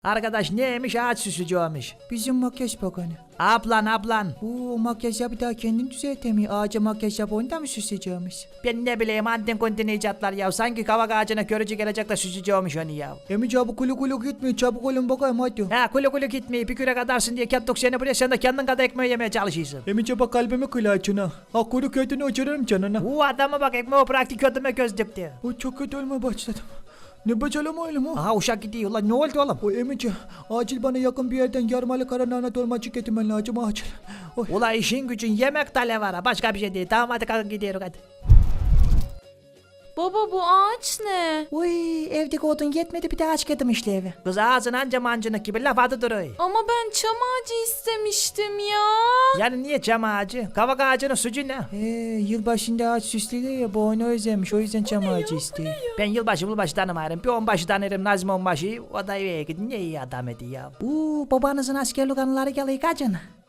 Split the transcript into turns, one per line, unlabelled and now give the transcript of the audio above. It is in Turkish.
Arkadaş neymiş ağaç süsücüymüş.
Bizim makyaj bakanı.
Ablan.
Oo, makyaj yap bir daha kendini düzeltemiyor. Ağaca makyaj yap onu da mı süsleyeceğimiz?
Ben ne bileyim antin kontin icatlar ya. Sanki kavak ağacına görücü gelecek de süsücüymüş onu ya.
Emi çabuk kulu gitmiyor. Çabuk olun bakayım hadi.
Ha kulu gitmeyi bir küre kadarsın diye kettuk seni buraya sen de kendin kadar ekmeği yemeye çalışıyorsun.
Emi çabuk kalbimi kılaçına. Ha kulu kötünü uçurarım canına.
Bu adama bak ekmeği bıraktı kötüme göz dipti.
O çok kötü olmaya başladım. Ne bakalım oğlum o?
Aha uşak gidiyor lan ne oldu oğlum?
O Emici acil bana yakın bir yerden yarmalı karanağına dolmacık getirmen lazım acil. Oy.
Ula işin gücün yemek tale var ha başka bir şey değil. Tamam hadi kalkın gidiyoruz hadi.
Baba bu ağaç ne?
Uy evdeki odun yetmedi bir de ağaç getirdim işte eve.
Kız ağzın anca mancınık gibi laf adı duruyor.
Ama ben çam ağacı istemiştim ya.
Yani niye çam ağacı? Kavak ağacının sucu ne?
Yılbaşında ağaç süslüyor ya bu onu özlemiş o yüzden çam ağacı istiyor.
Ben yılbaşı tanımayırım. Bir onbaşı tanırım Nazım onbaşı. O da eve gidin ne iyi adam edi ya.
Babanızın askerlik anıları geliyor kaçın.